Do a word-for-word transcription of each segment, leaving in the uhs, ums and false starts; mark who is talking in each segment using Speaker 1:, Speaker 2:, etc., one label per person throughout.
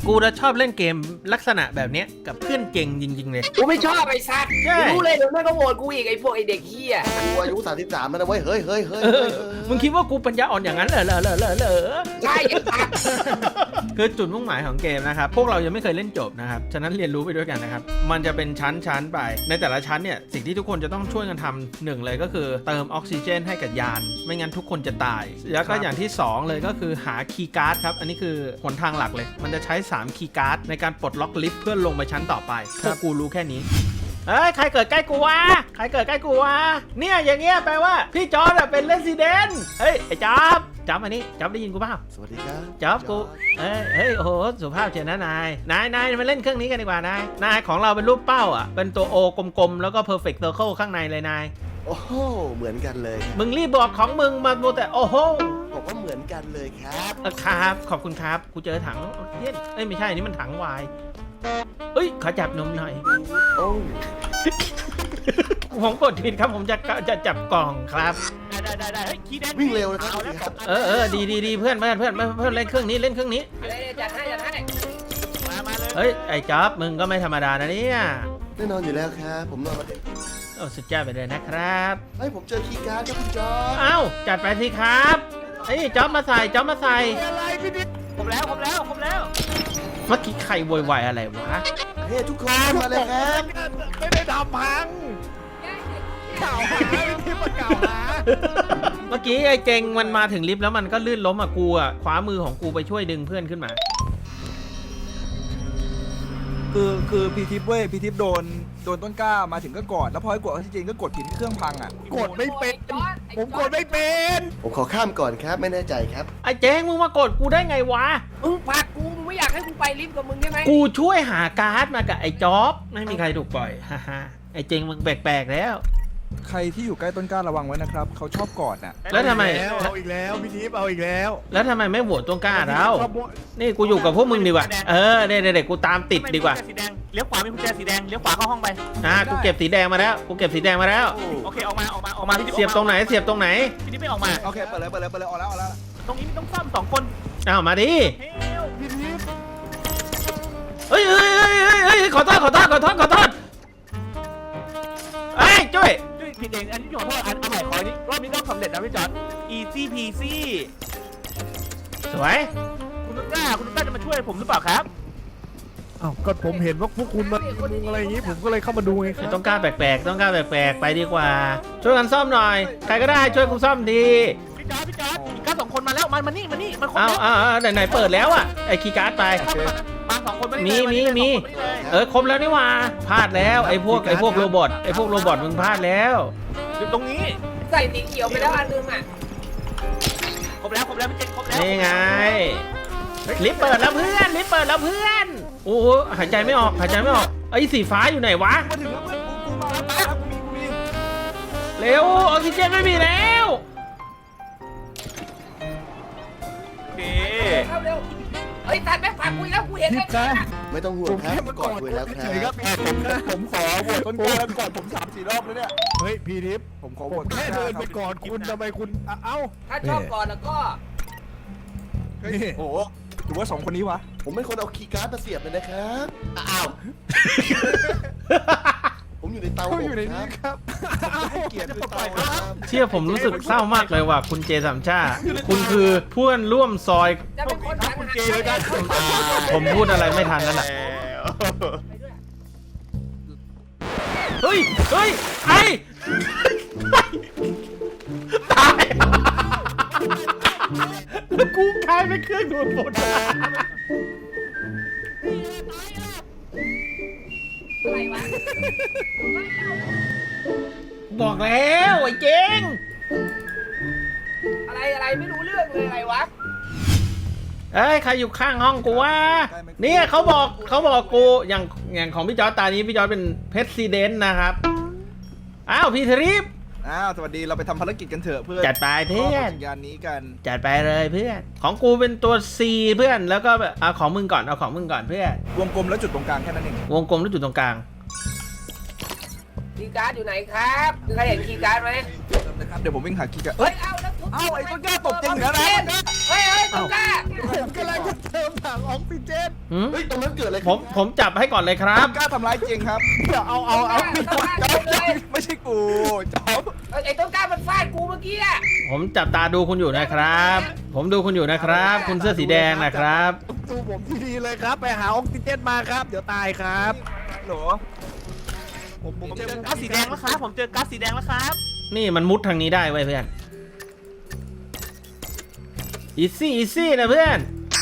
Speaker 1: กูจะชอบเล่นเกมลักษณะแบบนี้กับเพื่อนเก่งจริงๆเลย
Speaker 2: กูไม่ชอบไอ้สัตว์
Speaker 1: ใช่
Speaker 2: รู้เลยเดี๋ยวแม่งก็โหวตกูอีกไอ้พวกไอ้เด็กเหี้ย
Speaker 3: กูอายุสามสิบสามแล้วนะเว้ยเฮ้ยเฮ้ยเฮ้ย
Speaker 1: เออมึงคิดว่ากูปัญญาอ่อนอย่างนั้นเหรอเหรอเหรอเหรอเหรอ
Speaker 2: ใช่ไอ้สัตว์
Speaker 1: คือจุดมุ่งหมายของเกมนะครับพวกเรายังไม่เคยเล่นจบนะครับฉะนั้นเรียนรู้ไปด้วยกันนะครับมันจะเป็นชั้นชั้นไปในแต่ละชั้นเนี่ยสิ่งที่ทุกคนจะต้องช่วยกันทำหนึ่งเลยก็คือเติมออกซิเจนให้กับยานไม่งั้นทุกคนจะตายแล้วก็อย่างที่สองเลยก็คือหาคีย์การ์ดครับอันนี้คือหนทางหลักเลยมันจะใช้สามคีย์การ์ดในการปลดล็อกลิฟต์เพื่อลงไปชั้นต่อไปพวกกูรู้แค่นี้เฮ้ยใครเกิดใกล้กูวะใครเกิดใกล้กูวะเนี่ยอย่างเงี้ยแปลว่าพี่จอร์ดเป็นเรสซิเดนต์เฮ้ยไอ้จ๊อบจ๊อบอันนี้จ๊อบได้ยินกูเปล่า
Speaker 3: สวัสดีครับ
Speaker 1: จ๊อบกูเฮ้ยเฮ้ยโอ้โหสุภาพเชียวนะนายนายนายมาเล่นเครื่องนี้กันดีกว่านายนายของเราเป็นรูปเป้าอ่ะเป็นตัวโอกลมๆแล้วก็ perfect circle ข้างในเลยนาย
Speaker 3: โอ้โหเหมือนกันเลย
Speaker 1: มึงรีบบอกของมึงมาโมแต่โอ้โห
Speaker 3: ผมว่าเหมือนกันเลยครับ
Speaker 1: เออครับขอบคุณครับกูเจอถังเย็นเอ้ยไม่ใช่นี่มันถังวายเอ้ยขอจับนมหน่อย
Speaker 3: โอ้
Speaker 1: ผมกดผิดครับผมจะจะจับกล่องครับ
Speaker 4: ได้ได้ได้เฮ้ยขี้แดง
Speaker 3: วิ่งเร็วนะครับ
Speaker 1: เออเออดีดีดีเพื่อนเพื่อนเพื่อนเพื่อนเล่นเครื่องนี้เล่นเครื่องนี้
Speaker 2: อะไรเนี่ยจัดให้จัดให้
Speaker 4: มามาเลย
Speaker 1: เฮ้ยไอ้จ๊อบมึงก็ไม่ธรรมดานะเนี่ย
Speaker 3: แน่นอนอยู่แล้วครับผมนอนมาเด็ก
Speaker 1: โอ้สุดยอดไปเลยนะครับ
Speaker 3: เฮ้ยผมเจอคีย์การ์ดครับคุณจอร์จ
Speaker 1: เอ้าจัดไปสิครับเฮ้ยจ๊อบมาใส่จ๊อบมาใส่
Speaker 4: อะไรพี่นิดผมแล้วผมแล้วผมแล้ว
Speaker 1: เมื่อกี้ใครโวยวายอะไรวะ
Speaker 3: เฮ้ยทุกคนมาเลยครับ
Speaker 4: ไม่ได้ทำพังกล่าวหาพี่นิดมากล่าวหา
Speaker 1: เมื่อกี้ไอ้เจงมันมาถึงลิฟต์แล้วมันก็ลื่นล้มอ่ะกูอ่ะคว้ามือของกูไปช่วยดึงเพื่อนขึ้นมา
Speaker 5: คือคือพีทิปเว้ยพีทิปโดนโดนต้นกล้ามาถึงก็กอดแล้วพอให้กดออกซิเจนก็กดผิดที่เครื่องพังอ่ะ
Speaker 4: กดไม่เป็นผมกดไม่เป็น
Speaker 3: ผมขอข้ามก่อนครับไม่แน่ใจครับ
Speaker 1: ไอ้เจงมึงมากดกูได้ไงวะ
Speaker 2: มึงผลักกูมึงไม่อยากให้กูไปลิฟต์กับมึงใช่ไหม
Speaker 1: กูช่วยหาการ์ดมากับไอ้จ๊อบไม่มีใครถูกปล่อยฮ่าฮ่าไอ้เจงมึงแปลกๆแล้ว
Speaker 5: ใครที่อยู่ใกล้ต้นกล้าระวังไว้นะครับเขาชอบกอดน่ะ
Speaker 1: แล้วทำไม
Speaker 4: เอาอีกแล้วพี่นิดเอาอีกแล้ว
Speaker 1: แล้วทำไมไม่โหวตต้นกล้าเรานี่กูอยู่กับพวกมึงดีกว่าเออเด็กๆกูตามติดดีกว่า
Speaker 4: สีแดงเลี้ยวขวามีกุญแจสีแดงเลี้ยวขวาเข้าห้องไป
Speaker 1: อ่ะกูเก็บสีแดงมาแล้วกูเก็บสีแดงมาแล้ว
Speaker 4: โอเคออกมาออกมาออกมาพี่นิด
Speaker 1: เสียบตรงไหนเสียบตรงไหน
Speaker 4: พี่นิดไม่ออกมา
Speaker 5: โอเคเปิดเลยเปิดเลยเปิดเลยออกแล้วออกแล้ว
Speaker 4: ตรงนี้มันต้องซ่อมสองคน
Speaker 1: อ้าวมาดิ
Speaker 4: เฮ้ยพี่นิด
Speaker 1: เฮ้ยเฮ้ยเฮ้ยเฮ้ยเฮ้ยขอโทษขอโทษขอโทษขอโทษเฮ้ยจุ้ย
Speaker 4: ผิดเองอันนี้ขอโทษอันใหม่ขอนี้รอบนี้ต้องสำเร็จนะพี่จอร์ด easy peasy
Speaker 1: สวย
Speaker 4: คุณต้นกล้าคุณต้นกล้าจะมาช่วยผมหรือเปล่าครับ
Speaker 6: อ้าวก็ผมเห็นว่าพวกคุณมามุงอะไรอย่างนี้ผมก็เลยเข้ามาดูไงค
Speaker 1: ไม่
Speaker 6: รับ
Speaker 1: ต้องกล้าแปลกๆต้องกล้าแปลกๆไปดีกว่า ช่วยกันซ่อมหน่อย ใครก็ได้ช่วยกูซ่อมที
Speaker 4: พี่จอร์ดพี่จอร์ดอีกก้าสองคนมาแล้วมามานี่มานี่มันคน
Speaker 1: เอา
Speaker 4: แล้ว
Speaker 1: เอาเอาไหนไหนเปิดแล้วอ่ะไอ้คีย์การ์ดไป
Speaker 4: มาสองคน
Speaker 1: มีมีมี เออครบแล้วนี่หว่าพลาดแล้วไอ้พวกไอ้พวกโรบอทไอ้พวกโรบอทมึงพลาดแล้ว
Speaker 4: อยู่ตรงนี้
Speaker 2: ใส่สีเขียวไปแล้วอันนึงอ่ะ
Speaker 4: ครบแล้วครบแล้วพี่เจนครบแล้ว
Speaker 1: นี่ไงลิฟต์เปิดแล้วเพื่อนลิฟต์เปิดแล้วเพื่อนโอ้โหหายใจไม่ออกหายใจไม่ออกไอ้สีฟ้าอยู่ไหนวะ
Speaker 5: มาถึงแล้วเพื่อนกูกูมาแล้วครับกูมีกูมี
Speaker 1: เร็วออกซิเจนไม่มีแล้ว
Speaker 4: โอเค
Speaker 2: เข้าเร็วเฮ้ยสัตว์แม่งผลักกูอีกแล้วกูเห็น
Speaker 6: ทิ
Speaker 2: แล้
Speaker 6: พ
Speaker 2: ว
Speaker 6: ย์นะ
Speaker 3: ไม่ต้องห่วงครับกอดคุยแล้วค
Speaker 5: เฉยๆค
Speaker 3: รั
Speaker 5: รั
Speaker 3: บบ
Speaker 5: ผมผมขอโหวตต้นกล้าแล้วกอดผมสามสี่รอบแล้วเนี่ย
Speaker 6: เฮ้ยพี่ทิพย์
Speaker 5: ผมขอโห
Speaker 6: ผ
Speaker 5: ว
Speaker 6: ม
Speaker 5: ตต้น
Speaker 6: แค่
Speaker 5: กล้า
Speaker 6: เดิน
Speaker 5: ค
Speaker 6: ไป
Speaker 5: รับ
Speaker 6: ก่อนคุณทำไมคุณอ่ะเอ้า
Speaker 2: ถ้าชอบก่อนแล้วก็
Speaker 6: นี่
Speaker 5: โอ้โหหรือว่าสองคนนี้วะ
Speaker 3: ผมเป็นคนเอาคีย์การ์ดมาเสียบเลยนะครับอ้าวผมอยู่ในเตา
Speaker 6: เขาอยู่ใน
Speaker 3: ค
Speaker 6: นี้
Speaker 3: รับ
Speaker 6: ครับ
Speaker 3: ให้เกียรติด้วยเตาครับ
Speaker 1: เชื่อผมรู้สึกเศร้ามากเลยว่ะคุณเจสามชาคุณคือเพื่อนร่วมซอย
Speaker 2: จะเป็นคนหัน
Speaker 4: คุณ
Speaker 2: หา
Speaker 4: เจเลยกัน
Speaker 1: ผมพูดอะไรไม่ทันแล้วล่ะเฮ้ยเฮ้ยไอ้ตายกูกลายเป็นเครื่องดูดฝุ่น
Speaker 2: อะไรวะ
Speaker 1: บอกแล้วไอ้เจ๊ง
Speaker 2: อะไรอะไรไม่รู้เรื่องเลยอะไรวะ
Speaker 1: เอ้ยใครอยู่ข้างห้องกูวะเนี่ยเขาบอกเขาบอกกูอย่างอย่างของพี่จอร์จตานี้พี่จอร์จเป็นเพรสิเดนต์นะครับอ้าวพี่ทริป
Speaker 5: อ้าวสวัสดีเราไปทำภารกิจกันเถอะเพื่อน
Speaker 1: จัดไปเพื่อน
Speaker 5: ยานนี้กัน
Speaker 1: จัดไปเลยเพื่อนของกูเป็นตัว C เพื่อนแล้วก็แบบเอาของมึงก่อนเอาของมึงก่อนเพื่อน
Speaker 5: วงกลมแล้วจุดตรงกลางแค่นั้นเอง
Speaker 1: วงกลมแล้วจุดตรงกลาง
Speaker 2: คีย์การ์ดอยู่ไหนครับมีใครเห็นคีย์การ์ดไหม
Speaker 5: นะครับเดี๋ยวผมวิ่งหาคีย์การ์ด
Speaker 2: เฮ้ยเอาแล้วทุบ
Speaker 5: เอ้าไอ้ต้นกล้าตบจริงเหรอนะ
Speaker 2: เฮ้ยเฮ้ยต้นกล้า
Speaker 6: ผมกำลังจะเติมถังออกซิเจน
Speaker 1: หืม
Speaker 3: เฮ้ยตรงนั้นเกิดอะไร
Speaker 1: ผมผมจับให้ก่อนเลยครับ
Speaker 5: กล้าทำร้ายจริงครับ
Speaker 6: เดี๋ยวเอาเอาเอา
Speaker 2: ต้นกล้าต้นกล้าเลย
Speaker 5: ไม่ใช่กูจ๊อบ
Speaker 2: ไอ้ต้นกล้ามันฟาดกูเมื่อกี้อะ
Speaker 1: ผมจับตาดูคุณอยู่นะครับ ผมดูคุณอยู่นะครับ คุณเสื้อสีแดงนะครับ
Speaker 6: ดูผมที่ดีเลยครับ ไปหาออกซิเจนมาครับ เดี๋ยวตายครับ
Speaker 5: โหล
Speaker 6: ผมผม
Speaker 4: ผมเจ
Speaker 6: เจ
Speaker 4: อ
Speaker 6: อ
Speaker 4: ก๊าซสีแดงแล้วครับผมเจอก๊าซสีแดงแล้วครับ
Speaker 1: นี่มันมุดทางนี้ได้ไว้ยเพื่อนอีซี่อีซี่นะเพื่อน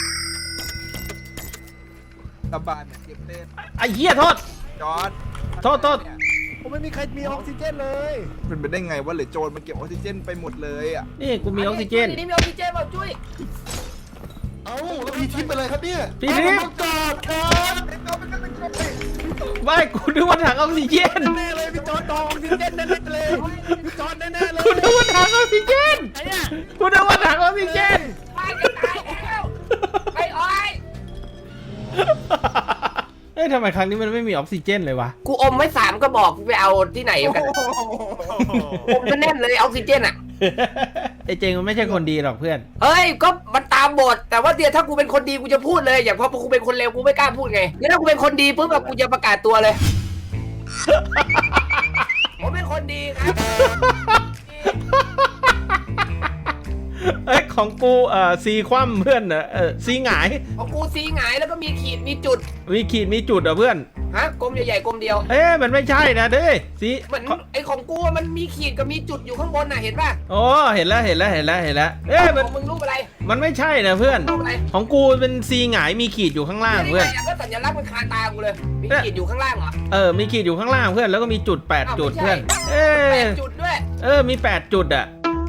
Speaker 5: ตะบานเนี่ยเก็บเต้น
Speaker 1: ไอ้เหี้ยโทษ
Speaker 5: จอร์ด
Speaker 1: โทษโทษ
Speaker 6: ผมไม่มีใครมีออกซิเจนเลย
Speaker 5: เป็นไปได้ไงว่าเหลือโจรมันเก็บออกซิเจนไปหมดเลยอ่ะ
Speaker 1: นี่กูมีออกซิเจน
Speaker 2: นี่มีออกซิเจนเปล่าจุ้ย
Speaker 3: เอ้าแล้วพี่ทิพย์เป็นอะไรครับเนี่ย
Speaker 1: พี่ทิพย์
Speaker 3: ต้องกอดครับ
Speaker 1: ไม่กูนึกว่าถังออกซิเจน
Speaker 6: แน่เลยพี่จอนดองออกซิเจนแน่ๆเลยพี่จอนแน่ๆเลย
Speaker 1: กูนึกว่าถังออกซิเจนกูนึกว่าถังออกซิเจน
Speaker 2: ตายจะตายแล้วไอ้อ้อย
Speaker 1: เอ้ยทำไมครั้งนี้มันไม่มีออกซิเจนเลยวะ
Speaker 2: กูอมไว้สามก็บอกไปเอาที่ไหนกันอมก็แน่นเลยออกซิเจนอะ
Speaker 1: ไอ้เจงมันไม่ใช่คนดีหรอกเพื่อน
Speaker 2: เฮ้ยก็มันตามบทแต่ว่าเดี๋ยวถ้ากูเป็นคนดีกูจะพูดเลยอย่างพอกูเป็นคนเลวกูไม่กล้าพูดไงเนี่ยถ้ากูเป็นคนดีปุ๊บแบบกูจะประกาศตัวเลย ผมเป็นคนดีครับ
Speaker 1: เอ้ยของกูเอ่อซีคว่ำเพื่อนเออซีหงาย
Speaker 2: ของกูสีหงายแล้วก็มีขีดมีจุด
Speaker 1: มีขีดมีจุดเหรอ่ะเพื่อน
Speaker 2: ฮะกลมใหญ่ๆกลมเดียว
Speaker 1: เอ๊ะมันไม่ใช่นะเด้ซี
Speaker 2: เหมือนไอ้ของกูอะมันมีขีดกับมีจุดอยู่ข้างบนน่ะเห็นป่ะ
Speaker 1: โอ้เห็นแล้วเห็นแล้วเห็นแล้วเห็นแล้วเอ๊ะ
Speaker 2: ข
Speaker 1: มัน
Speaker 2: องมึงรูปอะไร
Speaker 1: มันไม่ใช่นะเพื่อน
Speaker 2: รูปอะไร
Speaker 1: ของกูเป็นซีหงายมีขีดอยู่ข้างล่าง
Speaker 2: นี่
Speaker 1: เพื่อน
Speaker 2: ไงก็สัญลักษณ์มันคาตากูเลยมีขีดอยู่ข้างล่างเหรอ
Speaker 1: เออมีขีดอยู่ข้างล่างเพื่อนแล้วก็มีจุดแปด
Speaker 2: อ้าว
Speaker 1: จุด
Speaker 2: ไม่ใช่
Speaker 1: เพื่อนเอ๊
Speaker 2: แปดจุดด้วย
Speaker 1: เออมีแปดจุดอ่ะ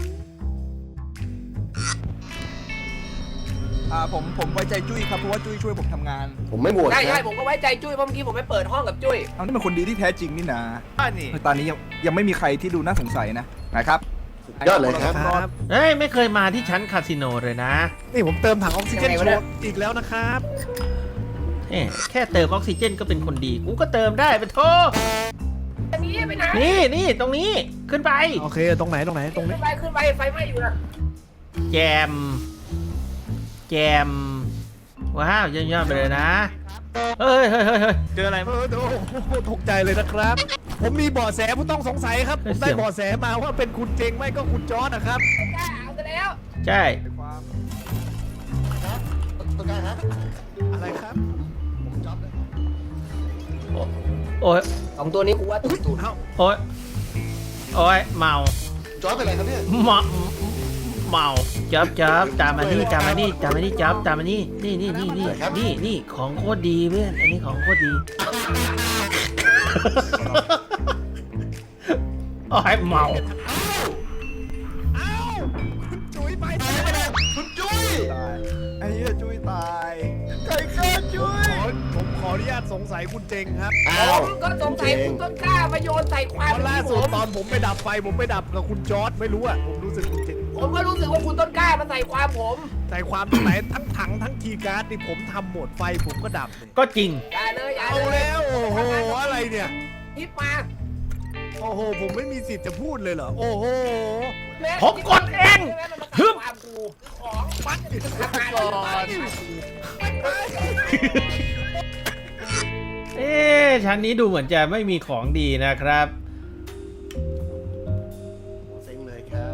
Speaker 5: อ่าผมผมไว้ใจจุ้ยครับเพราะว่าจุ้ยช่วยผมทำงาน
Speaker 3: ผมไม่โหวต
Speaker 2: ใช่
Speaker 3: ค
Speaker 2: ใช่
Speaker 3: รับ
Speaker 2: ผมก็ไว้ใจจุ้ยเพราะเมื่อกี้ผมไปเปิดห้องกับจุ้ย
Speaker 5: เอานี่เป็นคนดีที่แท้จริงนี่นะ
Speaker 4: อ่านี่
Speaker 5: ตอนนี้ยังยังไม่มีใครที่ดูน่าสงสัยนะนะครับ
Speaker 3: ยอดเลยครับ
Speaker 6: ครับ
Speaker 1: เอ้ยไม่เคยมาที่ชั้นคาสิโนเลยนะ
Speaker 6: นี่ผมเติมถังออกซิเจนโชว์อีกแล้วนะครับ
Speaker 1: เอ๊ะแค่เติมออกซิเจนก็เป็นคนดีกูก็เติมได้ไปโทษ
Speaker 2: อันนี้ไปไหน
Speaker 1: นี่นี่ตรงนี้ขึ้นไป
Speaker 6: โอเคตรงไหนตรงไหนตรง
Speaker 2: ขึ้
Speaker 6: นี้
Speaker 2: นไปขึ้นไปไฟไหม้อยู่นะ
Speaker 1: แจม แจม ว้าวเยี่ยมๆไปเลยนะ เฮ้ยเฮ้ยเฮ้ยเฮ้ย
Speaker 4: เจออะไร
Speaker 6: เออโอ้โหตกใจเลยนะครับ ผมมีเบาะแสผู้ต้องสงสัยครับผมได้เบาะแสมาว่าเป็นคุณเจงไม่ก็คุณจอร์ดนะครับ
Speaker 2: กล้าเอาซะแล้ว
Speaker 1: ใช่
Speaker 3: ต้องการฮะ
Speaker 6: อะไรครับ
Speaker 3: ผมจ๊อบเลย
Speaker 1: โอ้ย
Speaker 2: สองตัวนี้กูว่าตุ่ตุ่
Speaker 6: เอ้า
Speaker 1: โอ้ยโอ้ยเมา
Speaker 3: จ๊อบเป็นอะไรครับเนี่ย
Speaker 1: เมาเมาจับจับตามมานี่ตามมานี่ตามมานี่จับตามมานี่นี่นี่นี่นี่นี่นี่ของโคตรดีเพื่อนอันนี้ของโคตรดีโอ้ยเมา
Speaker 6: เอ้าคุณจุ๋ยไป
Speaker 3: คุณจุ้ย
Speaker 5: ตายไอ้เหี้ยจุ้ยตายใครฆ่าจุ้ย
Speaker 6: ขอผมขออนุญาตสงสัยคุณเจงครับ
Speaker 3: อ้า
Speaker 2: ผ
Speaker 3: ว
Speaker 2: มก็สงสัยคุณต้นกล้ามาโยนใส่ค
Speaker 6: เพ
Speaker 2: วาม
Speaker 6: ราะล่า
Speaker 2: ที่ผ
Speaker 6: สุด
Speaker 2: ม
Speaker 6: ตอนผมไปดับไฟผมไปดับกับคุณจอร์ดไม่รู้อ่ะผมรู้สึกคุณเจง
Speaker 2: ผมก็รู้สึกว่าคุณต้นกล้ามาใส่ความผม
Speaker 6: ใส่ความตรงไหนทั้งถังทั้งคีย์การ์ดนี่ผมทำหมดไฟผมก็ดับเลย
Speaker 1: ก็จริง
Speaker 2: อย่าเลยอย่า
Speaker 6: เอา
Speaker 2: เลย
Speaker 6: แล้วโอ้โหอะไรเนี่ย
Speaker 2: ทิปมา
Speaker 6: โอ้โหผมไม่มีสิทธิ์จะพูดเลยเหรอโอ้โห
Speaker 1: ผมกดเอง
Speaker 2: ฮึบความกูของปัดทำงานก่อน
Speaker 1: เอ๊ะชั้นนี้ดูเหมือนจะไม่มีของดีนะครับ
Speaker 3: เซ็งเลยครับ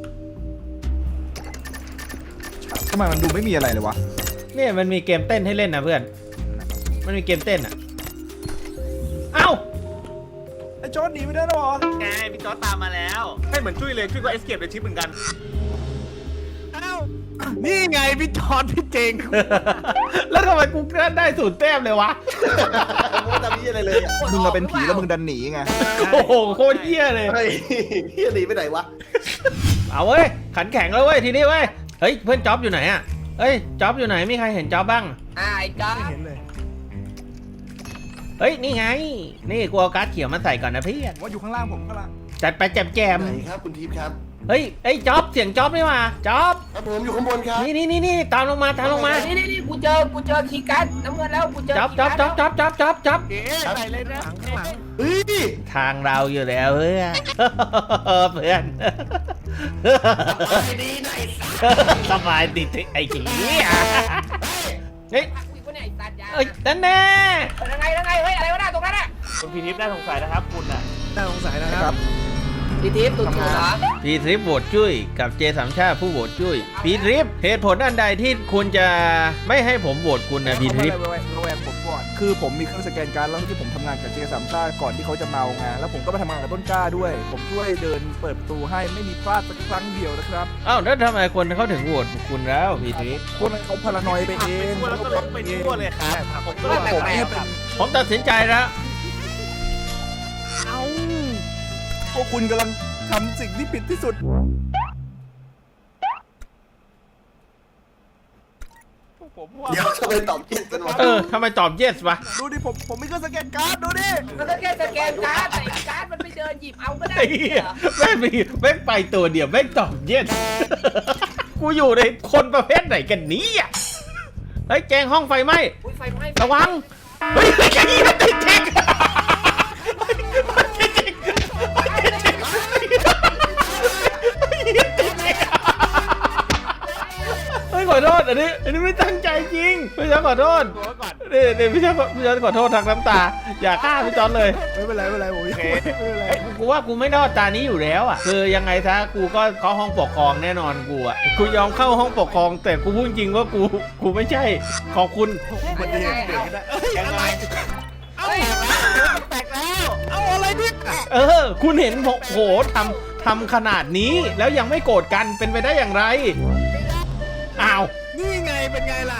Speaker 5: ทำไมมันดูไม่มีอะไรเลยวะ
Speaker 1: เนี่ยมันมีเกมเต้นให้เล่นนะเพื่อน มันมีเกมเต้นอ่ะ เอ้า
Speaker 5: ไอ้จอร์ดหนีไม่ได้หรอ
Speaker 4: ไงพี่จอร์จตามมาแล้วให้เหมือนจุ้ยเลยจุ้ยก็เอสเคปในชิปเหมือนกัน
Speaker 6: เอ้านี่ไงพี่จอร์ดพี่เจง
Speaker 1: แล้วทำไมกูได้สูตรแต้มเลยวะ
Speaker 3: ผมว่าจะมีอะไรเลยอ่ะ
Speaker 5: มึงอะเป็นผีแล้วมึงดันหนีไง
Speaker 1: โอ้โหโคตรเหี้ยเลย
Speaker 3: เฮ้ยเฮียหนีไปไหนวะ
Speaker 1: เอาเว้ย ขันแข็งแล้วเว้ยทีนี้เว้ย เฮ้ยเพื่อนจ๊อบอยู่ไหนอ่ะ เฮ้ยจ๊อบอยู่ไหนมีใครเห็นจ๊อบบ้าง
Speaker 2: อ่าไอ้จ๊อบ
Speaker 6: ไม่เห็นเลย
Speaker 1: เฮ้ยนี่ไง นี่กูเอาการ์ดเขียวมาใส่ก่อนนะพี่
Speaker 5: ว่าอยู่ข้างล่างผมข้างล่าง
Speaker 1: จัดไปแจมแจม
Speaker 3: ไหนครับคุณทิพย์ครับ
Speaker 1: เฮ้ยไอ้ยจ๊อบเสียงจ๊อบนี่มาจ๊อบ
Speaker 3: ครับผมอยู่ข้างบนครับ
Speaker 1: นี่นี่นี่นี่ตามลงมาตามลงมา
Speaker 2: นี่นี่นี่กูเจอกูเจอคีย์การ์ดน้ำเงินแล้วกูเจอ
Speaker 1: จ๊อบจ๊อบจ๊อบจ๊อบจ๊อบจ๊อบจ๊อบ
Speaker 6: เอ๊ะอะไรเลยนะข้างหลัง
Speaker 3: เฮ้ย
Speaker 1: ทางเราอยู่แล้วเพื่อน เพื่อน
Speaker 3: ดีหน่อย
Speaker 1: สบายดีไอ้ขี้เฮ้ย
Speaker 2: กูอยู่เนี่ยไอ้สัตว์ยา
Speaker 1: เอ้ยนั่นแน่
Speaker 2: ยังไงยังไงเฮ้ยอะไรวะน่ะตรงนั้นอ่ะ
Speaker 7: คุณพีทิพย์น่าสงสัยนะครับคุณอ่ะ
Speaker 6: น่าสงสัยนะครับ
Speaker 2: พี่ทิพย์ตุ่นๆเหรอ
Speaker 1: พีทริปโหวตจุ้ยกับเจสามชาติผู้โหวตจุ้ยพีทริปเหตุผลอันใดที่คุณจะไม่ให้ผมโหวตคุณนะพีทริป
Speaker 5: ระแวงระแวงผมก่อนคือผมมีเครื่องสแกนการ์ดแล้วที่ผมทำงานกับเจสามซ่าก่อนที่เขาจะเมาไงแล้วผมก็ไปทำงานกับต้นกล้าด้วย ผมช่วยเดินเปิดประตูให้ไม่มีพลาดสักครั้งเดียวนะครับ
Speaker 1: อ้าวแล้วทำไมคนเขาถึงโหวตคุณแล้วพีทริป
Speaker 5: คนเขาพารานอยไปเอง
Speaker 7: แล้วก็ลงไปทั่วเลยครับผมก็
Speaker 5: ผมเนี่ยเป็น
Speaker 1: ผมตัดสินใจแล้ว
Speaker 5: เอ้าพวกคุณกำลังทำสิ่งที่ผิดที่สุดผมว่า
Speaker 3: เดี๋ยวจะไปตอบผิดกันวะ
Speaker 1: เออทำไมตอบ yes วะ
Speaker 5: ดูดิผมผมมีเครื่องสแกนการ์ดดูดิ
Speaker 2: มันก็แค่สแกนการ์ดแต่ไอ้การ์ดมันไม่เดินหยิบเอาก็ได้
Speaker 1: ไอ้เหี้ยแม่งมีแม่งไปตัวเดียวแม่งตอบ yes กูอยู่ในคนประเภทไหนกันเนี้อ่ะเฮ้ยแจงห้องไฟไหม้
Speaker 2: อุ้ยไฟไหม้
Speaker 1: ระวังเฮ้ยไอ้เหี้ยติดเช็คเฮ้ยขอโทษอันนี้อันนี้ไม่ตั้งใจจริงพี่จอนขอโทษนี่นี่พี่จอนพี่จอนขอโทษทางน้ำตาอย่าฆ่าพี่จอนเลย
Speaker 5: ไม่เป็นไรไม่เป็นไรผมไม่เป็นไร
Speaker 1: เอ้ยกูว่ากูไม่รอดตานี้อยู่แล้วอ่ะคือยังไงซะกูก็เข้าห้องปกครองแน่นอนกูอ่ะกูยอมเข้าห้องปกครอง แต่กูพูดจริงว่ากูกูไม่ใช่ขอบคุณ
Speaker 6: มันจะเห็นเด็กได้เอ้ยอะไรเอ้ยแตกแล้วเอาอะไรเนี่ย
Speaker 1: เออ คุณเห็นผมโหทำทำขนาดนี้แล้วยังไม่โกรธกันเป็นไปได้อย่างไรอ้าว
Speaker 6: นี่ไงเป็นไงล่ะ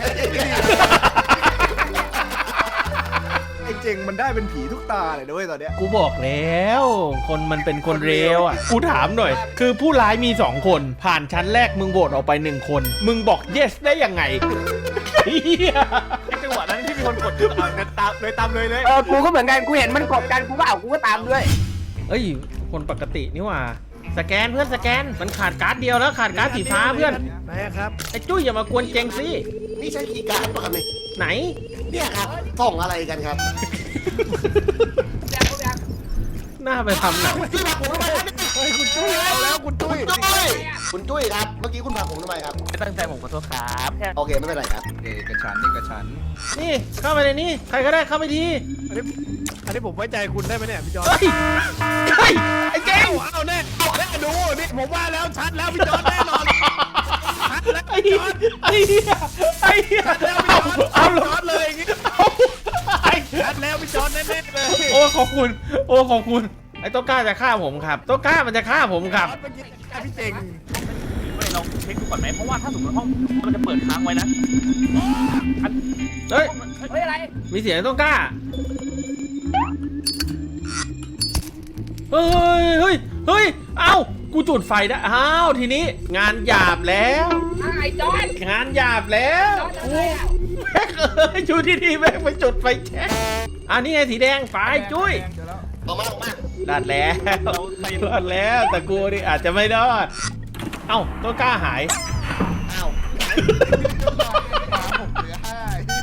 Speaker 5: ไอ้เจงมันได้เป็นผีทุกตาเลยด้วยตอนเนี้ย
Speaker 1: กูบอกแล้ว คนมันเป็นคนเร็วอ่ะกูถามหน่อย คือผู้ร้ายมีสองคนผ่านชั้นแรกมึงโหวตออกไปหนึ่งคน มึงบอก yes ได้ยังไงเหี้ย
Speaker 7: จังหวะนั้นที่มีคนกดเอาเดินตามเลยตามเลยเลย
Speaker 2: เออกูก็เหมือนกันกูเห็นมันกดกันกูก็เอากูก็ตามด้วย
Speaker 1: เอ้ยคนปกตินี่หว่าสแกนเพื่อนสแกนมันขาดการ์ดเดียวแล้วขาดการ์ดสีฟ้าเพื่อน
Speaker 6: ไหนอะครับ
Speaker 1: ไอ้จุ้ยอย่ามากวนเจงสิ
Speaker 3: นี่ใช่คีย์การ์ดป่ะครับเนี่ย
Speaker 1: ไหน
Speaker 3: เนี่ยครับส่องอะไรกันครับ
Speaker 1: หน้าไปทำหนัง
Speaker 3: พี่ผลักผมทำไมครับ
Speaker 6: เฮ้ยคุณตุ้ยเอาแล้วคุณตุ้ย
Speaker 3: คุณจุ้ยคุณจุ้ยครับ เมื่อกี้คุณผลักผมทำไมครับ
Speaker 7: ไม่ตั้งใจผมขอโทษครับแค่
Speaker 3: โอเคไม่เป็นไรครับ
Speaker 5: เอกฉันท์เอกฉันท์
Speaker 1: นี่เข้าไปในนี้ใครก็ได้เข้าไปที
Speaker 6: อันนี้อันนี้ผมไว้ใจคุณได้ไหมเนี่ยพี่จอร์
Speaker 1: เฮ้ยเฮ้ยไอ้เจง
Speaker 6: เอาเอาแน่แน่ดูนี่ผมว่าแล้วชัดแล้วพี่จอร์แน่นอนชัดแล้ว
Speaker 1: ไอ้
Speaker 6: พี่
Speaker 1: เหี้
Speaker 6: จ
Speaker 1: ย
Speaker 6: อร์
Speaker 1: ไอ้เหี้ยไอ้เหี้ย
Speaker 6: แล้วพี่
Speaker 1: เอา
Speaker 6: จอร์
Speaker 1: เอา
Speaker 6: พี่จอร์เลยอย่างงี้
Speaker 1: เอาไอ้
Speaker 6: ชัดแล้วพี่จอร์แน่ๆเลย
Speaker 1: โอ้ขอบคุณโอ้ขอบคุณไอ้โต้นกล้าจะฆ่าผมครับโต้นกล้ามันจะฆ่าผมครับ
Speaker 6: เมื่อกี้พี่เจง
Speaker 7: ไม่เราเช็คดูก่อนไหมเพราะว่าถ้าสมมติห้องมันจะเปิดค้างไว้นะ
Speaker 1: เฮ้ย
Speaker 2: เฮ้ยอะไร
Speaker 1: มีเสียงไอ้โต้นกล้าเฮ้ยเฮ้ยเฮ้ยเอ้ากูจุดไฟได้อ้าวทีนี้งานหยาบแล้ว
Speaker 2: ไอ้จอน
Speaker 1: งานหยาบแล้ว
Speaker 2: จอนอะไรอ่ะ
Speaker 1: แม่งเอ้ยอยู่ที่นี่แม่งไปจุดไฟแช็คอันนี้ไงสีแดงไฟจุ้ย
Speaker 5: เดี๋ยวแล้ว
Speaker 3: ออกมาออกมา
Speaker 1: รอดแล้วรอดแล้วแต่กูนี่อาจจะไม่รอดเอ้าต้นกล้าหาย
Speaker 3: อ้าว
Speaker 5: ผมเหลือห้า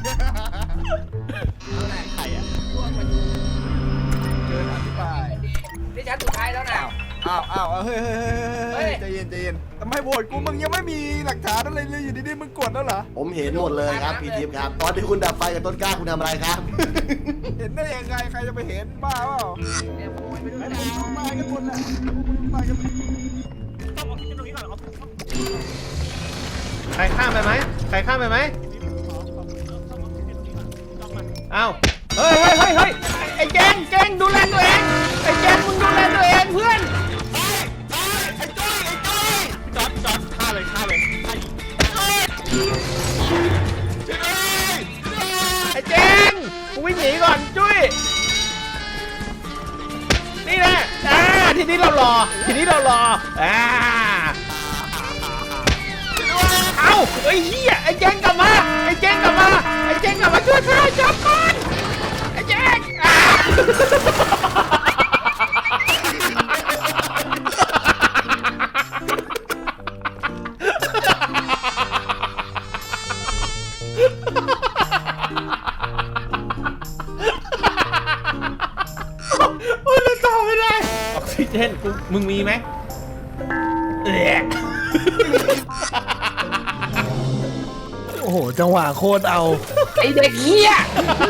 Speaker 3: ใครอ่ะ
Speaker 5: เกินอธิบาย
Speaker 2: นี่ชั้นสุดท้ายแล้วนะ
Speaker 5: อ้าวอ้าวเฮ้ยเฮ้ย
Speaker 2: เฮ้
Speaker 5: เฮ้
Speaker 2: ย
Speaker 5: ยใจเย็นใจเย็นทำไมโหวตกูมึงยังไม่มีหลักฐานอะไรเลยอยู่ดีๆมึงกดแล้วเหรอ
Speaker 3: ผมเห็นหมดเลยครับพี่ทิพย์ครับ ตอนที่คุณดับไฟกับต้นกล้าคุณทำอะไรครับ
Speaker 5: เห็นได้ยังไงใครจะไปเห็นบ้าเปล่า
Speaker 2: เนี่ยขโมยไปด้วย
Speaker 5: ไอ้
Speaker 2: นะ
Speaker 5: พวกมึงตายกันหมดแหละตายกันหมด
Speaker 7: ต้องเอาที่ตรงนี้ก่อนเอา
Speaker 1: ใครข้ามไปไหมใครข้ามไปไหมเอ้าเฮ้ยเฮ้ยเฮ้ยเฮ้ยไอ้เจงเจงดูแลตัวเองไอ้เจงมึงดูแลตัวเองเพื่อน
Speaker 7: จอดจอดฆ่าเลยฆ่าเลยฆ่าอีก
Speaker 1: ไอ้เจงกูวิ่งหนีก่อนจุ้ยนี่แหละอ่าทีนี้เรารอทีนี้เรารออ่าเอาไอ้เหี้ยไอ้เจงกลับมาไอ้เจงกลับมาไอ้เจงกลับมาช่วยข้าจับก่อนไอ้เจงอ่ามึงมีไหมเอ๊ะ
Speaker 6: โอ้โหจังหวะโคตรเอา
Speaker 2: ไอเด็กเหี้ย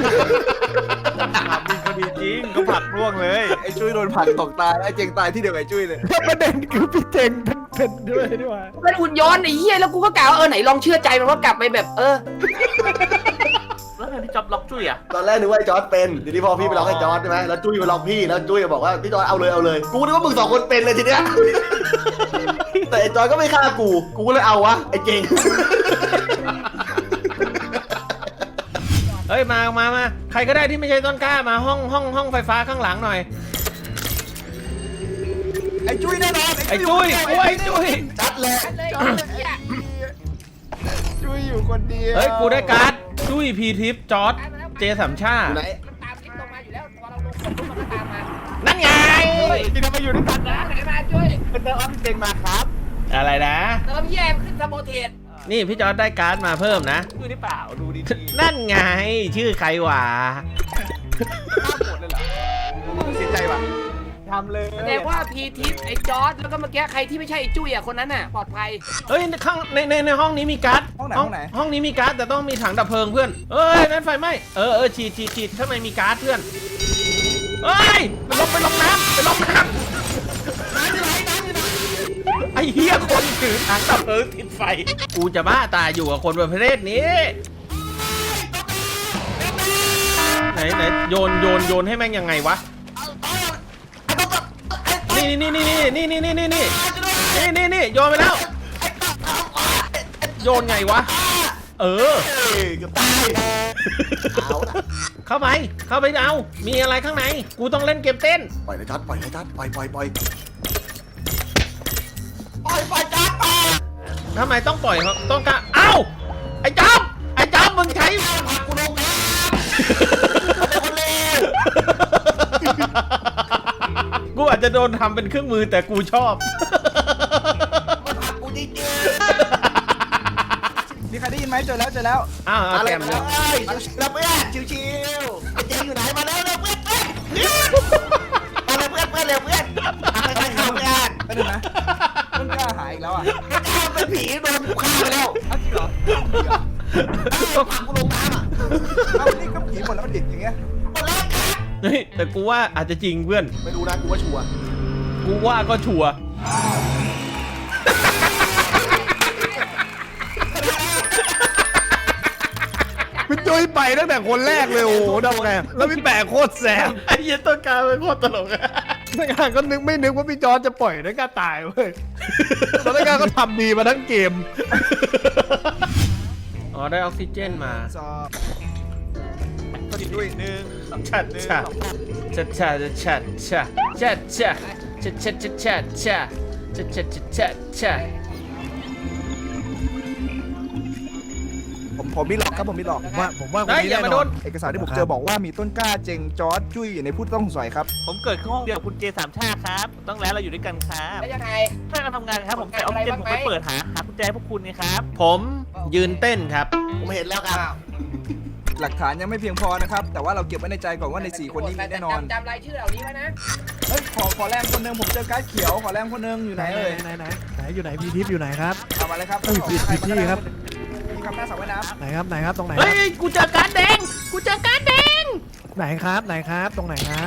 Speaker 7: มึงก็ดีจริงก็ผลักร่วงเลย
Speaker 5: ไอ้จุ้ยโดนผลักตกตายไอ้เจงตายที่เดียวกับไอ้จุ้ยเลย
Speaker 6: ประเด็นคือพี่เจงเป็นเป็นด้วยด้วย
Speaker 2: เป็นหุ่นยนต์ไอ้เหี้ยแล้วกูก็กล่าวว่าเออไหนลองเชื่อใจมันว่ากลับไปแบบเออ
Speaker 7: แล้วทำไมพี่จ๊อบล็อกจุ้ยอ่ะ
Speaker 3: ตอนแรกนึกว่าไอ้จอร์ดเป็นเดี๋ยวนี้พอพี่ไปล็อกไอ้จอร์ดใช่ไหมแล้วจุ้ยมาล็อกพี่แล้วจุ้ยบอกว่าพี่จอร์ดเอาเลยเอาเลยกูนึกว่ามึงสองคนเป็นเลยทีเนี้ยแต่ไอ้จอร์ดก็ไม่ฆ่ากูกูก็เลยเอาวะไอ้เจง
Speaker 1: เฮ้ยมามามาใครก็ได้ที่ไม่ใช่ต้นกล้ามาห้องห้องห้องไฟฟ้าข้างหลังหน่อย
Speaker 5: ไอ้จุ้ยแน่นอน
Speaker 1: ไอ้จุ้ยโอ้ยจุ้ย
Speaker 3: จัดเลย
Speaker 2: เลยเหี้ย
Speaker 5: จุ้ยอยู่คนเดียว
Speaker 1: เฮ้ยกูได้การ์ดจุ้ยพีทิปจอร์ดเจสามชา
Speaker 3: อยู่ไหน
Speaker 2: มันตามลิฟต์ลงมาอยู่แล้วพอเราลงปุ๊บมันก็ตามมา
Speaker 1: นั่นไง
Speaker 7: ที่ทำไมอยู่ด้วยกันนะ
Speaker 2: ไหนมาช่วย
Speaker 7: เป็นเตอร์ออฟเจงมาครับ
Speaker 1: อะไรนะ
Speaker 2: เติมแยมขึ้นสโมเทส
Speaker 1: นี่พี่จอร์ดได้การ์ดมาเพิ่มนะ
Speaker 7: ดูหรือเปล่าดูดี
Speaker 1: นั่นไงชื่อใครวะ
Speaker 5: เสียใจว่ะ
Speaker 7: ๆทำเลย
Speaker 2: แสดงว่าพีทิปไอ้จอร์ดแล้วก็เมื่อกี้ใครที่ไม่ใช่ไอ้จุ้ยอ่ะคนนั้นน่ะปลอดภัย
Speaker 1: เฮ้ยข้างในในในห้องนี้มีการ์ด
Speaker 5: ห้องไหนห้องไหน
Speaker 1: ห้องนี้มีการ์ดแต่ต้องมีถังดับเพลิงเพื่อนเอ้ยนั่นไฟไหม้เออเออฉีดฉีดฉีดข้างในมีการ์ดเพื่อนเอ้ยไปลงไปลงน้ำไปลงน้ำไอ้เหี้ยคนถือถังดับเพลิงติดไฟกูจะบ้าตายอยู่กับคนประเภทนี้ไหนไหนโยนโยนโยนให้แม่งยังไงวะนี่นี่นี่นี่นี่นี่นี่นี่นี่นี่นี่โยนไปแล้วโยนไงวะเออ
Speaker 3: เฮ้ยเกือบตายเอาละ
Speaker 1: เข้าไปเข้าไปเอามีอะไรข้างในกูต้องเล่นเกมเต้น
Speaker 3: ปล่อยเลยจอร์ดปล่อยเลยจอร์ดปล่อยปล่อยปล่อยปล่อยปล่อยจอร์ดปล่อย
Speaker 1: ทำไมต้องปล่อยเขาต้องการเอ้าไอ้จ๊อบไอ้จ๊อบมึงใช้
Speaker 3: กูลงน้ำเป็นคนเลว
Speaker 1: กูอาจจะโดนทำเป็นเครื่องมือแต่กูชอบ
Speaker 3: มันผลักกูจริง
Speaker 5: มีใครได้ยินไหมเจอแล้วเจอแล้ว
Speaker 1: อ้าว
Speaker 3: ๆ
Speaker 1: เอา
Speaker 3: อะไร
Speaker 1: แกม
Speaker 3: เล
Speaker 1: เลย
Speaker 3: ยเราเพื่อนชิวๆไอ้เจงอยู่ไหนมาแล้วเร็วเพื่อนเอ้ยมาเร็วเพื่อนเพื่อนเร็วเพื่อนใครๆเข้ากัน
Speaker 5: ไปดูนะต้นกล้าหายอีกแล้วอ่ะ
Speaker 3: ข้าเป็นผีโดนกูฆ่าไปแล้ว
Speaker 5: เอาจริงเหรอ
Speaker 3: ผลักกูลงน้ำอ่ะ
Speaker 5: เอานี่ก็ผีหมดแล้วมันดิบอย่างเงี้ย
Speaker 3: หมดแล้วครับ
Speaker 1: เฮ้ยแต่กูว่าอาจจะจริงเพื่อน
Speaker 3: ไม่รู้นะกูว่าชัวร์
Speaker 1: กูว่าก็ชัวร์
Speaker 6: พี่จุ้ยไปตั้งแต่คนแรกเลยโอ้โหทำไงแล้วพี่แปะโคตรแสบ
Speaker 1: ไอ้เหี้ยต้นกล้าเป็นโคตรตลกอะ
Speaker 6: นักงานก็นึกไม่นึกว่าพี่จอร์จจะปล่อยนักการตายเว้ยแล้วนักงานก็ทำดีมาทั้งเกม
Speaker 1: อ๋อได้ออกซิเจนมา
Speaker 5: สอบ
Speaker 7: ด้วยหนึ่ง
Speaker 1: ชัดชัดชัดชัดชัดชัดชัดชัดชัดชัดชัดชัดชัดชัดชัดชัดชัดชัด
Speaker 5: ผมผมมีหลอกครับผมมีหลอก
Speaker 6: ผมว่าผมว่าคน
Speaker 1: เฮ้ย
Speaker 6: นี้
Speaker 1: อย่า
Speaker 6: แน่
Speaker 1: มาน โด
Speaker 6: อน
Speaker 1: น
Speaker 5: เอกสารที่ผมเจอบอกว่ามีต้นกล้าเจงจอร์ดจุ้ยอยู่ในผู้ต้องสงสัยครับ
Speaker 7: ผมเกิดขึ้นห้องเดียวกับคุณเจสามชาติครับต้องแล้วเราอยู่ด้วยกันครับ
Speaker 2: แล้วยังไง
Speaker 7: เพื่อนกันทำงานครับผมใส่ออกซิเจนผมไปเปิดหาหากุญแจพวกคุณไงครับ
Speaker 1: ผมยืนเต้นครับ
Speaker 3: ผมเห็นแล้วครับ
Speaker 5: หลักฐานยังไม่เพียงพอนะครับ แต่ว่าเราเก็บไว้ในใจก่อนว่าในสี่คนนี้มีแน่นอน
Speaker 2: จำจำรายชื่อเหล่านี้ไว้นะ
Speaker 5: เฮ้ยขอขอแรงคนหนึงผมเจอการ์ดเขียวขอแรงคนหนึงอยู่ไหนเอ่ย
Speaker 6: ไหนไหนไหนอยู่ไหนพี่ทิพย์อยู่ไหนครับ
Speaker 5: เอามาเลยครับ
Speaker 6: เอ้ยผิดผิดที่ครับ
Speaker 5: มีคำหน้าสาวว่ายน้
Speaker 6: ไหนครับไหนครับตรงไหนค
Speaker 1: เฮ้
Speaker 6: รับ
Speaker 1: ย กูเจอการดแดง กูเจอการดแดง
Speaker 6: ไหนครับไหนครับตรงไหนครับ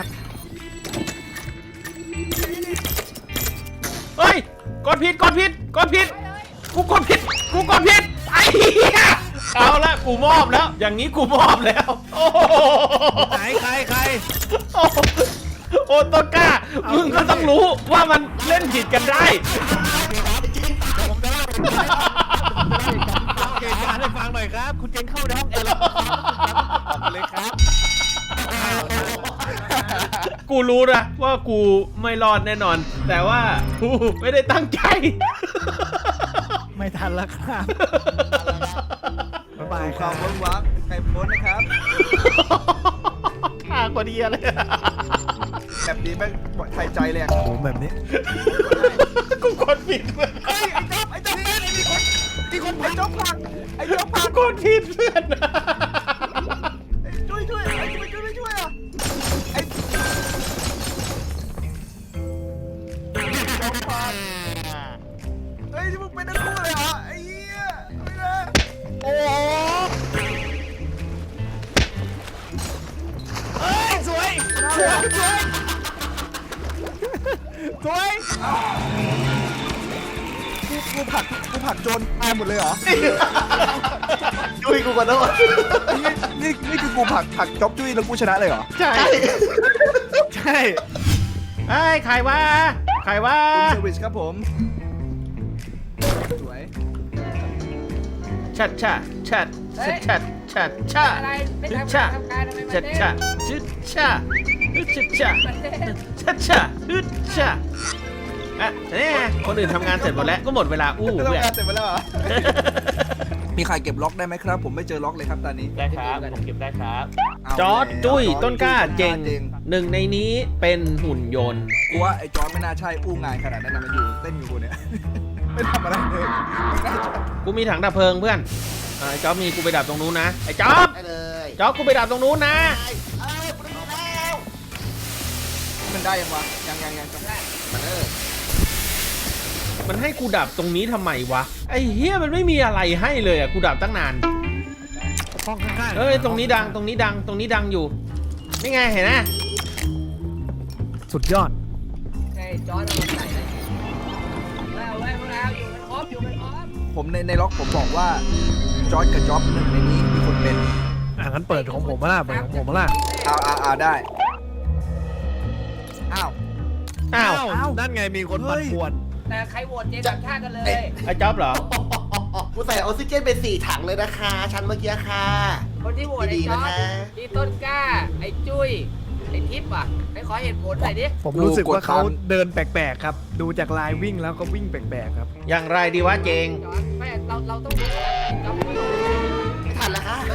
Speaker 1: เฮ้ย กดผิด กดผิด กดผิด กูกดผิด กูกดผิด ไอ้เหี้ยเอาละ กูมอบแล้ว อย่างนี้กูมอบแล้ว โอ้โห
Speaker 6: ไหนใครใคร
Speaker 1: โอ้โหโอ้ต้นกล้า มึงก็ต้องรู้ว่ามันเล่นผิดกันได้
Speaker 6: เหตุการณ์ให้ฟังหน่อยครับ
Speaker 7: คุณเจนเข้าในห้องแอร์แล้วออกมาเลยครับ
Speaker 1: กูรู้นะว่ากูไม่รอดแน่นอน แต่ว่ากูไม่ได้ตั้งใจ
Speaker 6: ไม่ทันแล้วครับบ๊าย
Speaker 5: ำ
Speaker 6: บาย
Speaker 5: ดู
Speaker 6: ค
Speaker 5: ควา
Speaker 6: รั
Speaker 5: ม
Speaker 6: บ
Speaker 5: เวิ้งว้างใครโพสต์นะครับ
Speaker 1: ฆ่ากว่าดีอะไรอะ
Speaker 5: แบบนี้แม่งไทยใจเลยอะ
Speaker 6: ผมแบบนี้
Speaker 1: กูกดผิดเพื่อน
Speaker 5: เฮ้ยไอ้จ๊อบไอ้จ๊อบนี่มีคนมีคนไอ้จ๊อบพังไอ้จ๊อบพัง
Speaker 1: กดผิดเพื่อน
Speaker 5: ไอ้ช่วยช่วยไอ้ช่วยช่วยไม่ช่วยอ่ะไอ้มึงเป็นนักคู่เลยเหรอไอ้เหี้ยไม่ได้
Speaker 6: โอ้โหเฮ้ยสวยสวยสวยสวย
Speaker 5: กูกูผลักกูผลักโจรตายหมดเลยเหรอ
Speaker 3: จุ้ยกูขอโทษ
Speaker 5: นี่นี่นี่คือกูผลักผลักจ๊อบจุ้ยแล้วกูชนะเลยเหรอ
Speaker 1: ใช่
Speaker 6: ใช่
Speaker 1: ไอ้ยใครวะใครวะ
Speaker 5: คุณเซอร์วิสครับผมสวย
Speaker 1: ชัดชะชัดชัดชัดชัดชะ
Speaker 2: อะไรไม่
Speaker 1: ชัด
Speaker 2: ทำ
Speaker 1: ชะ
Speaker 2: งานทำการทำไมมา
Speaker 1: ชัด
Speaker 2: เต้
Speaker 1: ชะชัดชะชัดชะ
Speaker 2: มาเต้
Speaker 1: ชัดชะชัดชะอ่ะนี่ไงคนอื่นทำงานเสร็จหมดแล้วก็หมดเวลาอู้
Speaker 5: ไม่ต้อง
Speaker 1: เพื่อน
Speaker 5: การเสร็จไปแล้วเหรอ มีใครเก็บล็อกได้ไหมครับ ผมไม่เจอล็อกเลยครับตอนนี้
Speaker 7: ได้ครับผมเก็บได้ครับ
Speaker 5: เา
Speaker 1: จอร์ด
Speaker 5: แล้ว
Speaker 1: จุ้ย
Speaker 5: จอร์จ
Speaker 1: ต้นกล้าเจง
Speaker 5: เจง
Speaker 1: หนึ่งในนี้เป็นหุ่นยนต์
Speaker 5: กูว่าไอ้จอร์ดไม่น่าใช่อู้งานขนาดนั้นนะมันอยู่เต้นอยู่กูเนี่ย ไม่ทำอะไรเลยไม่น่าใช่
Speaker 1: กูมีถังดับเพลิงเพื่อนอ่าไอ้จ๊อบมีกูไปดับตรงนู้นนะไอ้จ๊อบ
Speaker 3: ได้เลย
Speaker 1: จ๊อบกูไปดับตรงนู้นนะ
Speaker 3: เอ้ยกูได้แล้ว
Speaker 5: มันได้ยังวะยังยังยังจำได้
Speaker 3: มาเด้อ
Speaker 1: มันให้กูดับตรงนี้ทำไมวะไอ้เฮียมันไม่มีอะไรให้เลยอ่ะกูดับตั้งนาน
Speaker 6: ห้องข้างๆ
Speaker 1: เอ้ยตรงนี้ดังตรงนี้ดังตรงนี้ดังอยู่นี่ไงเห็นไหม
Speaker 6: สุดยอด
Speaker 2: ไอ้จอร์ดเอามาใส่เลยเอาไว้พวกเราอยู่กันครบอยู่กันครบ
Speaker 5: ผมในในล็อกผมบอกว่าจอร์ดกับจ็อบหนึ่งในนี้มีคนเป็น
Speaker 6: อ่ะงั้นเปิดของผมมาล่ะเปิดของผมมาล่ะ
Speaker 5: เอาเอาเอาได้อ้าว
Speaker 1: อ้าว
Speaker 6: อ้าวนั่นไงมีคนปัดปวน
Speaker 2: แต่ใครโหวตเจสัมชาติกันเลย
Speaker 1: ไอ้จ๊อบเหรอ
Speaker 3: กูใส่ออกซิเจนไปสี่ถังเลยนะคะชั้นเมื่อกี้ค่ะ
Speaker 2: คนที่โหวตไอ้จอร์ด
Speaker 3: ดีๆนะคะ
Speaker 2: พี่ต้นกล้า ไอ้จุ้ย ไอ้ทิพย์อ่ะไอ้ขอเหตุผลหน่อยดิ
Speaker 6: ผมรู้สึกว่าเขาเดินแปลกๆครับ ดูจากลายวิ่งแล้วก็วิ่งแปลกๆครับ
Speaker 1: อย่างไรดีวะเจง
Speaker 2: จอร์ดไม่เราเราต้องดูไอ้จอร์ดไม่รู้
Speaker 3: ไม่ทันแล้วค่ะ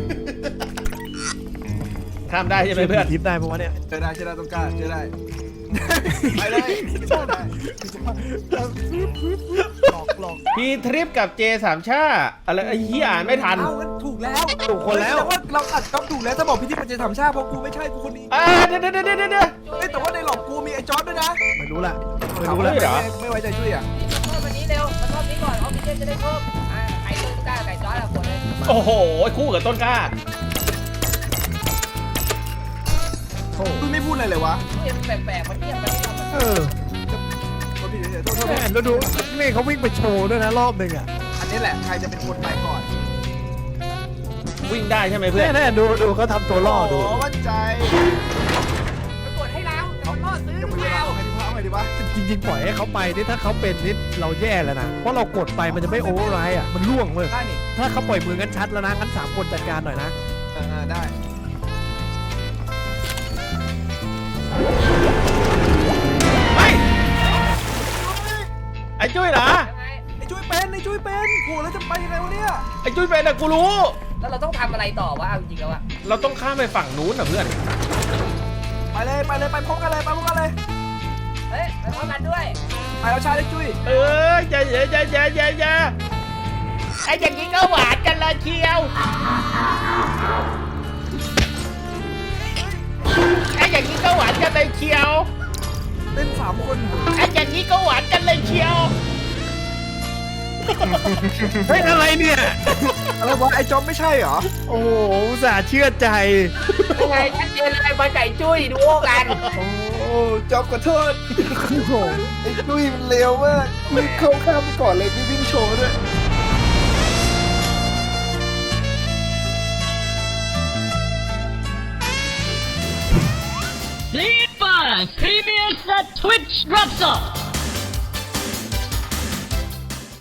Speaker 1: ข้ามได้ใช่ไหมเพื่อน
Speaker 6: ทิปได้ปะวะเนี่ย
Speaker 5: เจอได้เจอได้ต้องกล้าเจอได้ ไปเลยเจอได้
Speaker 6: หลอกหลอก
Speaker 1: พีทริปกับเจสามชาอะไรไอ้เหี้ยอ่านไม่ทัน
Speaker 5: เอางั้นถูกแล้ว
Speaker 6: ถูกคนแล้ว
Speaker 5: ต่ว่าเราอัดจ็อบถูกแล้วถ้าบอกพี่ที่มันจะทำชาติเพราะกูไม่ใช่กูคนนี้
Speaker 1: อ่าเดี๋ยวเดี๋ยวเดี๋ยวเดี๋ยว
Speaker 5: เอ้ยแต่ว่าในหลอกกูมีไอ้จอร์ดด้วยนะ
Speaker 6: ไม่รู้ละไม่
Speaker 5: เอา
Speaker 6: รู้
Speaker 5: แล้
Speaker 6: ละ
Speaker 5: ว
Speaker 1: เหรอ
Speaker 5: ไม่ไม่ไว้ใจช่วยอ่ะ
Speaker 2: เพิ่มวันนี้เร็วมาทอบนี้ก่อนออกซิเจนจะได้เพิ่มอ่าไอ้ต้นกล้าไก่จอร์ดอะคนเลย
Speaker 1: โอ้โหคู่กับต้นกล้า
Speaker 6: โอ้
Speaker 5: มึงไม่พูดอะไรเลยวะ
Speaker 2: เทียมแปลกๆมันเทียมมันเทียมมัน
Speaker 6: เออ
Speaker 5: โทษทีเฉยๆโทษโทษ
Speaker 6: แม่แล้วดูนี่เขาวิ่งไปโชว์ด้วยนะรอบหนึ่งอ่ะ
Speaker 5: อันนี้แหละใครจะเป็นคนไปก่อน
Speaker 1: วิ่งได้ใช่ไหมเพื่อน
Speaker 6: แน่ๆดูดูเขาทำตัวล่อดู
Speaker 5: โอ้วัดใจ
Speaker 2: มันกดให้เราแต่มันล่อซื้อห
Speaker 5: จะ
Speaker 2: รือ
Speaker 5: ไป
Speaker 2: เป
Speaker 5: เล่า
Speaker 2: ล่า
Speaker 5: ไงดีวะเอาไงดีวะ
Speaker 6: จริงๆปล่อยให้เขาไปนี่ถ้าเขาเป็นนี่เราแย่แล้วนะเพราะเรากดไปมันจะไม่โอเวอร์ไรด์อ่ะมันล่วงเลย
Speaker 5: ได้นี่
Speaker 6: ถ้าเขาปล่อยมืองั้นชัดแล้วนะงั้นสามคนจัดการหน่อยนะ
Speaker 5: เออได้
Speaker 1: เฮ้ยไอ้จุ้ยเหรอ
Speaker 2: ยังไง
Speaker 5: ไอ้จุ้ยเป็นไอ้จุ้ยเป็นโหแล้วจะไปยังไงวะเนี่ย
Speaker 1: ไอ้จุ้ยเป็นอะกูรู้
Speaker 2: แล้วเราต้องทำอะไรต่อวะเอาจริงๆแล้วอะ
Speaker 1: เราต้องข้ามไปฝั่งนู้นนะเพื่อน
Speaker 5: ไปเลยไปเลยไปพร้อมกันเลยไปพร้อมกันเลย
Speaker 2: เฮ้ยไปพร้อมกันด้วย
Speaker 5: ไปเอาชายไอ้จุ้ย
Speaker 1: เอออย่าอย่าอย่าอย่าอย่าอย่าไอ้อย่างนี้ก็หวานกันเลยเชียวไอ้อย่างนี้ก็หวานกันเลยเชียว
Speaker 5: เล่นสามคน
Speaker 1: ไอ้อย่างนี้ก็หวานกันเลยเชียว
Speaker 6: เฮ้ยอะไรเนี่ย
Speaker 5: อะไรวะไอ้จอมไม่ใช่เหรอ
Speaker 6: โอ้โหอุตส่าห์เชื่อใจ
Speaker 2: ยังไงชัดเจนเลยบอลไก่จุ้ยดูโอกัน
Speaker 5: โอ้จอมขอโทษ
Speaker 6: โอ้โห
Speaker 5: ไอ้จุ้ยมันเร็วมากมึงเข้าข้ามไปก่อนเลยพี่วิ่งโชว์ด้วย
Speaker 8: Lead by P B S at Twitch drops off.